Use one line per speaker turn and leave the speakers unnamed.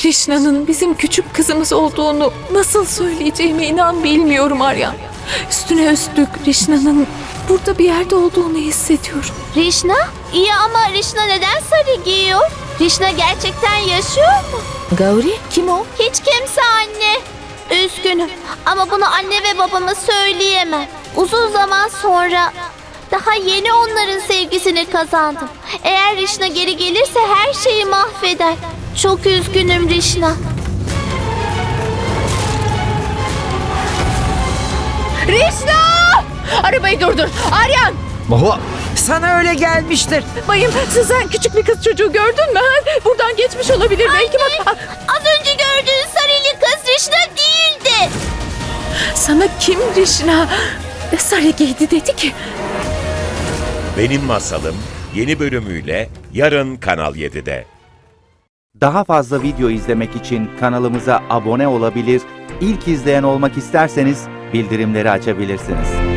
Krishna'nın bizim küçük kızımız olduğunu nasıl söyleyeceğime inan bilmiyorum Aryan. Üstüne üstlük Krishna'nın burada bir yerde olduğunu hissediyorum.
Rişna? İyi ama Rişna neden sarı giyiyor? Rişna gerçekten yaşıyor mu?
Gauri kim o?
Hiç kimse anne. Üzgünüm ama bunu anne ve babama söyleyemem. Uzun zaman sonra daha yeni onların sevgisini kazandım. Eğer Rişna geri gelirse her şeyi mahveder. Çok üzgünüm Rişna.
Rişna! Arabayı durdur. Aryan!
Mahua, sana öyle gelmiştir.
Bayım Suzan küçük bir kız çocuğu gördün mü? Buradan geçmiş olabilir belki bak.
Az önce gördüğün sarılı kız Rişna değildi.
Sana kim Rişna sarı giydi dedi ki?
Benim Masalım yeni bölümüyle yarın Kanal 7'de.
Daha fazla video izlemek için kanalımıza abone olabilir, ilk izleyen olmak isterseniz bildirimleri açabilirsiniz.